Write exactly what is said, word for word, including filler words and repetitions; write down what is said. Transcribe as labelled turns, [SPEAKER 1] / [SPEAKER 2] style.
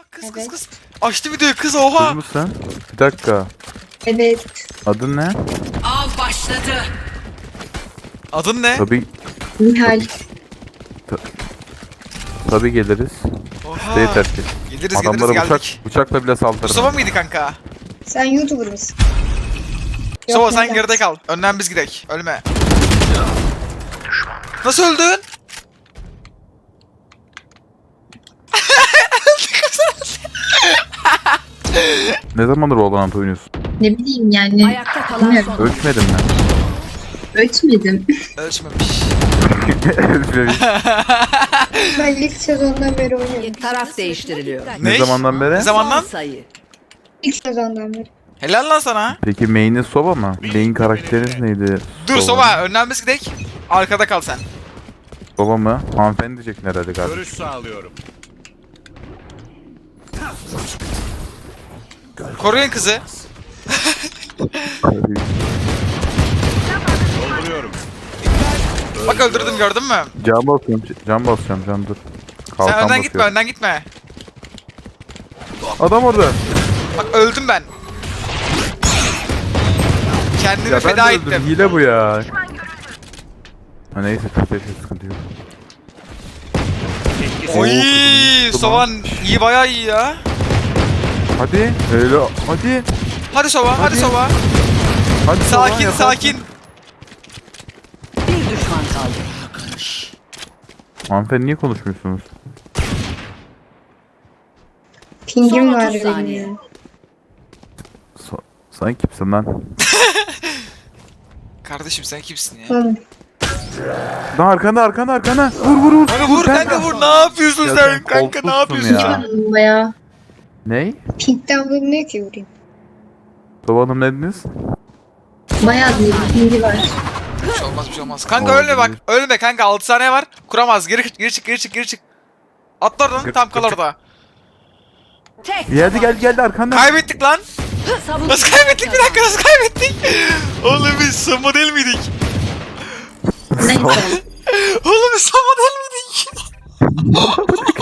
[SPEAKER 1] kız
[SPEAKER 2] Evet.
[SPEAKER 1] kız kız. Açtı videoyu kız oha.
[SPEAKER 3] Kız mısın? Bir dakika.
[SPEAKER 2] Evet.
[SPEAKER 3] Adın ne?
[SPEAKER 4] Av başladı.
[SPEAKER 1] Adın ne?
[SPEAKER 3] Tabii
[SPEAKER 2] Nihal.
[SPEAKER 3] tabii geliriz.
[SPEAKER 1] Oha.
[SPEAKER 3] Değil terk et.
[SPEAKER 1] Geliriz geliriz
[SPEAKER 3] Adamlara bıçak,
[SPEAKER 1] geldik.
[SPEAKER 3] bıçakla bile saldırırım.
[SPEAKER 1] Mustafa mıydı kanka?
[SPEAKER 2] Sen YouTuber mısın?
[SPEAKER 1] Mustafa
[SPEAKER 2] Yok,
[SPEAKER 1] sen
[SPEAKER 2] neden?
[SPEAKER 1] geride kal. Önden biz gidek. Ölme. Nasıl öldün?
[SPEAKER 3] Ne zamandır Valorant oynuyorsun?
[SPEAKER 2] Ne bileyim yani.
[SPEAKER 4] Ayakta kalan
[SPEAKER 2] Bilmiyorum.
[SPEAKER 4] son.
[SPEAKER 3] Ölçmedin mi?
[SPEAKER 2] Ölçmedim.
[SPEAKER 1] Ölçmemiş.
[SPEAKER 3] Ölçmemiş.
[SPEAKER 2] Ben ilk sezondan beri oynuyorum.
[SPEAKER 4] Taraf değiştiriliyor.
[SPEAKER 3] Ne
[SPEAKER 1] Ne?
[SPEAKER 3] zamandan beri?
[SPEAKER 1] Ne zamandan?
[SPEAKER 4] Son sayı.
[SPEAKER 2] İlk sezondan beri.
[SPEAKER 1] Helal lan sana.
[SPEAKER 3] Peki main'in Sova mı? Main karakteriniz neydi?
[SPEAKER 1] Dur Sova önden biz gidek. Arkada kal sen.
[SPEAKER 3] Sova mı? Hanımefendi diyeceksin herhalde galiba.
[SPEAKER 5] Görüş sağlıyorum.
[SPEAKER 1] Koruyun kızı.
[SPEAKER 5] Dolduruyorum.
[SPEAKER 1] Bak öldürdüm gördün mü?
[SPEAKER 3] Can basıyorum, can basacağım, can dur.
[SPEAKER 1] Sen
[SPEAKER 3] Kalkan
[SPEAKER 1] önden
[SPEAKER 3] basıyorum.
[SPEAKER 1] gitme önden gitme.
[SPEAKER 3] Adam orada.
[SPEAKER 1] Bak öldüm ben. Kendimi
[SPEAKER 3] Ya ben
[SPEAKER 1] feda
[SPEAKER 3] de öldüm,
[SPEAKER 1] ettim.
[SPEAKER 3] hile bu ya. Ha neyse, neyse sıkıntı yok.
[SPEAKER 1] Oy,
[SPEAKER 3] Oo, kızım,
[SPEAKER 1] Sovan iyi bayağı iyi ya.
[SPEAKER 3] Hadi, öyle, hadi.
[SPEAKER 1] Hadi Sova, hadi,
[SPEAKER 3] Hadi.
[SPEAKER 1] Sova.
[SPEAKER 3] Hadi Sova,
[SPEAKER 1] Sakin,
[SPEAKER 3] yaparsın.
[SPEAKER 1] sakin.
[SPEAKER 4] Bir düşman kaldı.
[SPEAKER 3] Hanımefendi niye konuşmuyorsunuz?
[SPEAKER 2] Pingim
[SPEAKER 4] Son
[SPEAKER 2] var
[SPEAKER 4] otuz
[SPEAKER 2] benim
[SPEAKER 4] saniye.
[SPEAKER 2] ya.
[SPEAKER 3] So sen kimsin lan?
[SPEAKER 1] Kardeşim sen kimsin ya?
[SPEAKER 2] Oğlum.
[SPEAKER 3] Lan arkanda, arkanda, arkanda. Vur, vur, vur.
[SPEAKER 1] Kanka vur kanka vur. Ne yapıyorsun
[SPEAKER 3] Ya
[SPEAKER 1] sen?
[SPEAKER 3] sen
[SPEAKER 1] Kanka ne
[SPEAKER 3] koltuksun
[SPEAKER 1] yapıyorsun?
[SPEAKER 3] ya.
[SPEAKER 2] Baya.
[SPEAKER 3] Ney?
[SPEAKER 2] Pink'ten vurmuyor ki vurayım.
[SPEAKER 3] Sova Hanım ne dediniz?
[SPEAKER 2] Bayağı bir pingi var.
[SPEAKER 1] Bir şey olmaz bir şey olmaz. Kanka
[SPEAKER 3] Olabilir.
[SPEAKER 1] ölme bak. Ölme kanka altı saniye var. Kuramaz. Geri geri çık geri çık geri çık. Atla oradan
[SPEAKER 3] Gır-
[SPEAKER 1] tam kal
[SPEAKER 3] gır-
[SPEAKER 1] orada.
[SPEAKER 4] Tek
[SPEAKER 3] Geldi, geldi, geldi arkanda.
[SPEAKER 1] Kaybettik lan.
[SPEAKER 4] Savunma
[SPEAKER 1] Nasıl kaybettik bir dakika nasıl kaybettik? Oğlum biz Samo değil miydik?
[SPEAKER 2] Neyse.
[SPEAKER 1] Oğlum biz Samo değil miydik?